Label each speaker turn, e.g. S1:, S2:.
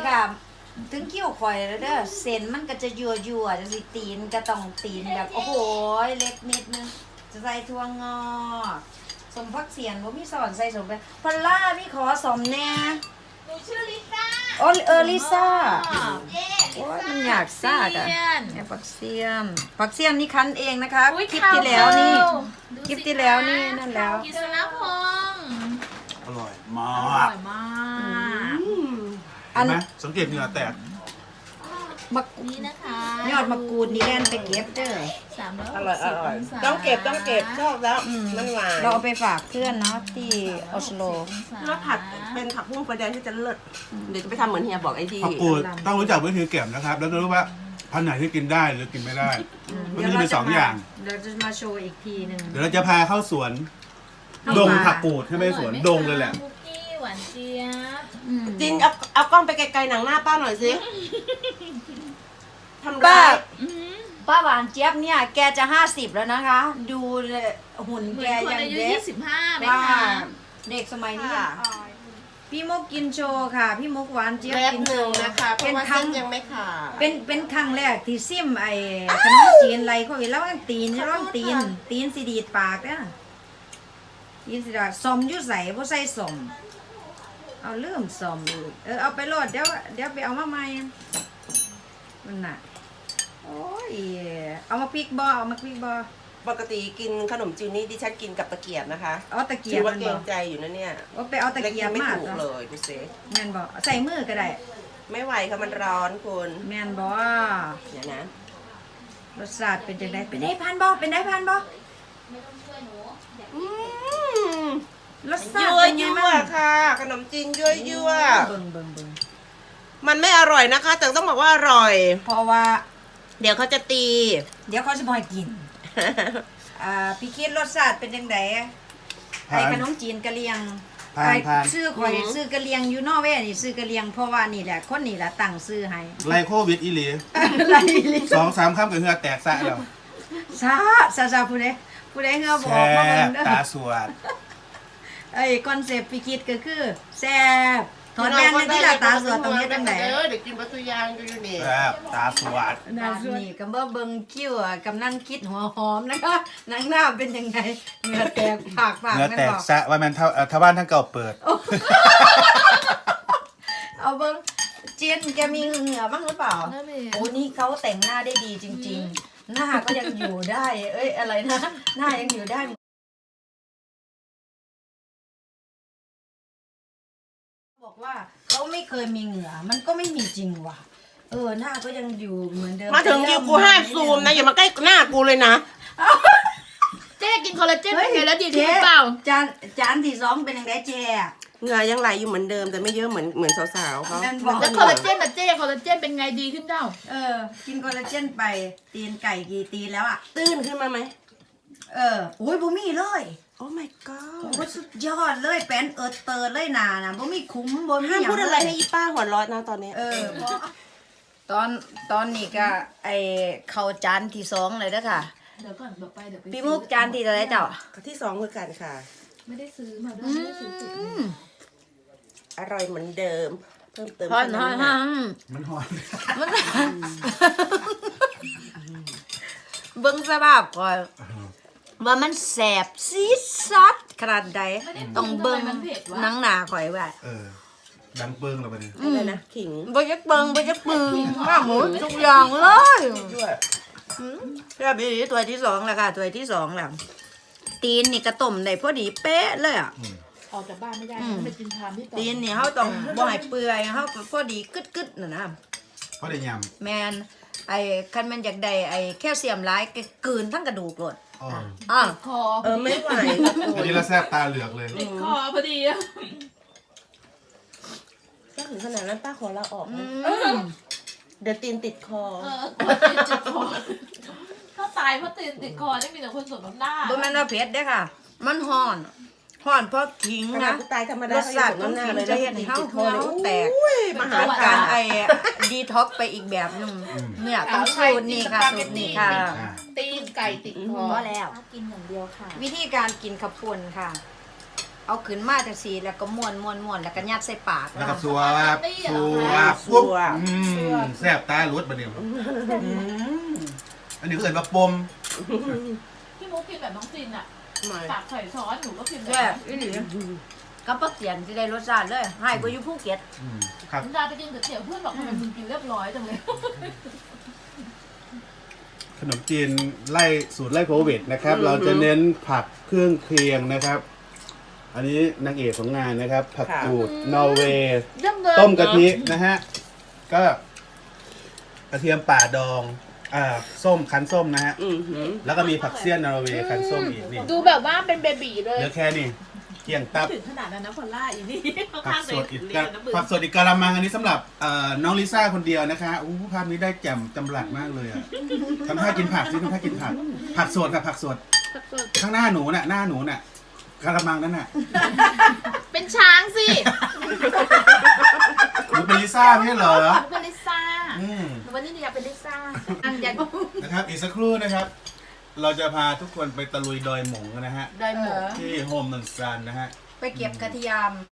S1: ค่ะถึงคิ้วข่อยแล้วเด้อเส้นมันก็จะยั่วๆจะสิตีนก็ต้องตีนแบบโอ้โหเล็กนิดนึงจะใส่ถั่วงอกสมพักเสียนบ่มีสอนใส่สมไปพอลล่าพี่ขอสมแน่
S2: หนูชื่อลิซ่า
S1: อ๋อลิซ่า
S2: เย้
S1: โอ้ยมันอยากซ่ากะแอบผักเสียมผักเสียมนี่คั้นเองนะคะ
S2: อุ๊ย
S1: คลิปที่แล้วนี่
S2: ข่าว
S1: คลิปที่แล้วนี่นั่นแล้ว
S2: กิษณพงษ์
S3: อร่อยม
S2: อ
S3: าก
S2: ร่อยมาก
S3: เห็นไหมสังเกตเหงื่อแตก
S1: มะ
S2: นี่นะคะ
S1: ยอดมะกรูดนี่แล่นไปเก็บเด้อ
S2: 360
S4: อร่อย
S2: งศา
S4: ต้องเก็บชอบแล้วมันหวาน
S1: เราเอาไปฝากเพื่อนเนาะที่ออสโล
S4: แล้วผัดเป็นผักบุ้งไฟแดงที่จะเลิศเดี๋ยวจะไปทำเหมือนเฮียบอกไอ้ที่
S3: ผักกูดต้องรู้จักวิธีเก็บนะครับ แล้วจะรู้ว่าพันธุ์ไหนที่กินได้หรือกินไม่ได้มันก็จะมีสองอย่าง
S1: เดี๋ยวจะมาโชว์อีกทีหนึ่ง
S3: เดี๋ยวเราจะพาเข้าสวน ดงผักกูดใช่ไหมสวนดงเลยแหละ
S2: คุกกี้หวานเจี๊ยบ
S4: จินเอากล้องไปไกลๆหนังหน้าป้าหน่อยสิทำ
S1: ป้า
S4: ร้าย
S1: ป้าหวานเจี๊ยบเนี่ยแกจะ50แล้วนะคะ ดูเลยหุ่น
S2: เหมื
S1: แก
S2: อนคน
S1: ยัง
S2: อายุ
S1: เด็ก
S2: 25ไหม
S1: ว่า
S2: คะ
S1: เด็กสมัยนี้ยังอายพี่มุกกินโชว์ค่ะ พี่มุกหวานเจี๊ยบ
S4: แป๊บ
S1: กิน
S4: ห
S1: โช
S4: นึ่ง
S1: ว์
S4: นะคะเพ
S1: เป็
S4: ราะ
S1: น
S4: ว่า
S1: ครั้
S4: เส้
S1: ง
S4: นยังไม่ขาด
S1: เป็นครั้งแรกที่ซิมไอ้ขนมจีนไรเขาอีกแล้วมันตีนร้องตีนสีดีดปากเนี่ยตีนสีดาสมอยู่ใส่บ่ใส่สมเอาเริ่มสมอีกเอาไปโหลดเดี๋ยวไปเอามาใหม่มันน่ะโอ้ยเอามาพริกบ่เอามาพริกบ่
S4: ปกติกินขนมจีนนี่ดิฉันกินกับตะเกียบนะคะ
S1: เอาตะเกี
S4: ถื
S1: ยบ
S4: อว่า
S1: มัน
S4: เกร
S1: บ่
S4: งใจอยู่นะเนี่ย
S1: เอาไปเอาตะ
S4: เล็ก
S1: เกียบ
S4: ไม่
S1: มา
S4: ถูกเลยดูสิ
S1: แม่นบ่ใส่มือก็ได้
S4: ไม่ไหวค่ะมันร้อนคุณ
S1: แม่นบ่
S4: เดี๋ยวนะ
S1: รสชาติเป็นจังไดเป็นได้พันบ่เป็นได้พันบ่
S4: อืม
S1: รสชาติ
S4: ยั่ว
S1: เป็นไง
S4: ยั่ว
S1: บ้าง
S4: ค่ะ ขนมจีนยั่วยั่ว
S1: เบิ่ง
S4: มันไม่อร่อยนะคะ แต่ต้องบอกว่าอร่อย
S1: เพราะว่า
S4: เดี๋ยวเขาจะตี
S1: เดี๋ยวเขาจะบ่ให้กิน พี่คิดรสชาติเป็นจังไดไอ้
S3: ผ่าน
S1: ขนมจีนกะเหรี่ยง
S3: ผ่าน
S1: ไอ้
S3: ผ่าน
S1: ชื่อข่อยซื้อกะเหรี่ยงอยู่นอร์เวย์นี่ซื้อกะเหรี่ยงเพราะว่านี่แหละคนนี่แหละตั้งชื่อให้
S3: ไลโควิดอีหลี
S1: อะไรลิ
S3: 2-3 ค่ำกับเหงื่อแตกซะแล้ว
S1: ซาผู้ใดเงาบอ
S3: แช่
S1: กมาเบิ่งเด้อ
S3: ตาสวด
S1: ไอ้คอนเซปต์พี่คิดก็คือแซ่บถอนแว่นในที่ละตาสวดตรงนี้จังได
S4: เด็กกินปลาตุยางอยู่นี่
S3: แซ่บตาสวด
S1: นี่ก็บ่เบิ่งคิ้วกำนันคิดหัวหอมนะคะนางหน้าเป็นยังไงเหงื่อแตกปาก
S3: เหงื่อ
S1: แม่น
S3: แตก
S1: บอก
S3: ซะว่ามันเท่าบ้านทั้งเก่าเปิด
S1: เอาเบิ่งเจียนแกมีเหงื่อบ้างหรือเปล่า
S2: นั่นเอง
S1: โอ้นี่เขาแต่งหน้าได้ดีจริง ๆ หน้าก็ยังอยู่ได้ เอ้ยอะไรนะ หน้ายังอยู่ได้บอกว่าเขาไม่เคยมีเหงื่อมันก็ไม่มีจริงว่ะหน้าก็ยังอยู่เหมือนเดิม
S4: มาถึงคิวกูห้ามซูมนะ อย่ามาใกล้หน้ากูเลยนะ
S2: เจ๊กินคอลลาเจนเป็นไงแล้วดีขึ้นหรือเปล่า
S1: จานที่2เป็นยังไงเจ๊
S4: เหงื่อยังไหลอยู่เหมือนเดิมแต่ไม่เยอะเหมือนสาวๆเขา
S1: นั่นบอก
S2: แล้วคอลลาเจนอะเจ๊คอลลาเจนเป็นไงดีขึ้นเจ้า
S1: กินคอลลาเจนไปตีนไก่กี่ตีนแล้วอ่ะ
S4: ตื้นขึ้นมาไหม
S1: โอ้ยบ่มีเลย
S4: โอ้ my god
S1: โอ้ยสุดยอดเลยแป้นเติร์ดเลยนานะบ่มีคุ้มบ่มี
S4: ห้าม
S1: หยัง
S4: พูดอะไรให้อีป้าหัวเร้อนนะตอนนี้
S1: เพราะตอนนี้ก็ไอเข้าจานที่2เลยเด้อค่ะ
S2: เดี๋ยวก่อนเดี๋ยวไป
S1: พี่มุกจานที่เท่าไหร่เจ้า
S4: ที่2คือกันค่ะ
S2: ไม่ได้ซื้อมาด้วยไม่ได้ซื้อติดมา
S4: อร่อยเหมือนเดิม เพิ่มเติม
S1: ฮอน
S4: แค่
S3: มันหอน
S1: เบิ่งสภาพก่อนว่ามันแสบซีดซัดขนาดใดต้องเบิ่งหนังหน้าข่อยว่า
S3: ดังเปิ้งเราไปดิ
S4: อะไรนะขิง
S1: บ่ยักเบิ่งข้าหมูทุกอย่างเลย
S4: ด้วย
S1: แซ่บอีหลีถ้วยที่2แล้วค่ะถ้วยที่2แล้วตีนนี่ก็ต้มได้พอดีเป๊ะเลยอ่ะ
S2: ออกจากบ้านไม่ได้ไปกินทานที่ต่อ
S1: ตีนนี่เฮาต้องบ่ให้เปื่อยเฮาพอดีกึดๆน่ะนะ
S3: เพราะได้ย
S1: แม่นไอ้คันมันอยากได้ไอ้แคลเซียมหลายก็กลืนทั้งกระดูกโลด
S3: ำอ๋อ
S1: อ่ะ
S2: คอ
S4: ไม่ไหวค่ะคุ
S3: อัน
S4: ณ
S3: นี้เราแซ่บตาเหลือกเลย
S2: ติดคอพอดีอะ
S4: ถ้าถึงขนาดนั้นป้าขอลาออกนะ
S1: อืม
S4: เดี๋ยวตีนติดคอ
S2: ติดคอถ้าตายเพราะตีนติดคอได้มีแต่คนสวมน้ำหน้า
S1: บ่แม่นว่าเผ็ดเด้อค่ะ มันฮ้อนเพราะขิง
S4: ขนาด
S1: นะ
S4: กูตายธรรมดาร
S1: สชาติของขิงจะเฮ็ดให้เฮาเฮาแตก
S4: มา
S1: หา
S4: หา
S1: การ
S4: ร
S1: ไอ้ดีท็อกไปอีกแบบหนึงเนี่ยต้องสูตรนี่ค่ะสูตรนี่ค่ะ
S2: ตีนไก่ติดคอ
S1: พอแล้ว
S2: กินอย่างเดียวค่ะ
S1: วิธีการกินขับปุ่นค่ะเอาขึ้นมาจากสีแล้วก็ม้วนแล้วก็ยัดใส่ปาก
S3: แล้วก็สัวครับสัวปุ๊บแซ่บตาลุดบะเนี่ยอันนี้ก็เอิ้นว่าปม
S2: พี่มุกกินแบบน้องจินอ่ะ
S4: ไม่
S2: ตักใส่ช้อนหนูก็กินแบบ
S1: แซ่บ
S2: นั้น
S1: อีหลีกับปักเสียนสิได้รสชาติเลยให้กูอยู่ภูเก็ต
S3: ครับ
S2: คุณดาไปกินก๋วยเตี๋ยวเพื่อนบอกทำไมมึงกินเรียบร้อยจังเลย
S3: ขนมจีนไล่สูตรไล่โควิดนะครับ เราจะเน้นผักเครื่องเคียงนะครับ อันนี้นางเอกของงานนะครับ ผักกูดนอร์เวย์
S2: เยี่ยมเลย
S3: ต้มกะทินะฮะ ก็กระเทียมป่าดองส้มคั้นส้มนะฮะ แล้วก็มีผักเสี้ยนนอร์เวย์คั้นส้มอีกนี่
S2: ดูแบบว่าเป็นเบบีเลย
S3: เหลือแค่นี้เกี่ยงตับ
S2: ถึงขนาดนั้นนะพอลล่าอีนี่เขา
S3: ผั
S2: ข้าก ง
S3: ส
S2: เลย
S3: ดอีก
S2: เรียนนะบึ้
S3: ผักสดอีกกะละมังอันนี้สำหรับน้องลิซ่าคนเดียวนะคะอู้ภาพนี้ได้แจ่มจำหลัดมากเลยอ่ะทำท่ากินผักสิทำท่ากินผัก ผักสดค่ะผักสด ข้างหน้าหนูน่ะหน้าหนูน่ะกะละมังนั่นน่ะ
S2: เป็นช้างสิ
S3: หนูเป็นลิซ่าไม่ใช่เหรอ
S2: หนูเป็นลิซ่า
S3: อืม
S2: หนูวันนี้หนูอยากเป็นลิซ่าอันยัน
S3: นะครับอีกสักครู่นะครับ เราจะพาทุกคนไปตะลุยดอยหมงกันนะฮะ
S2: ได้หมด
S3: ที่โฮมนันซันนะฮะ
S1: ไปเก็บกระเทียม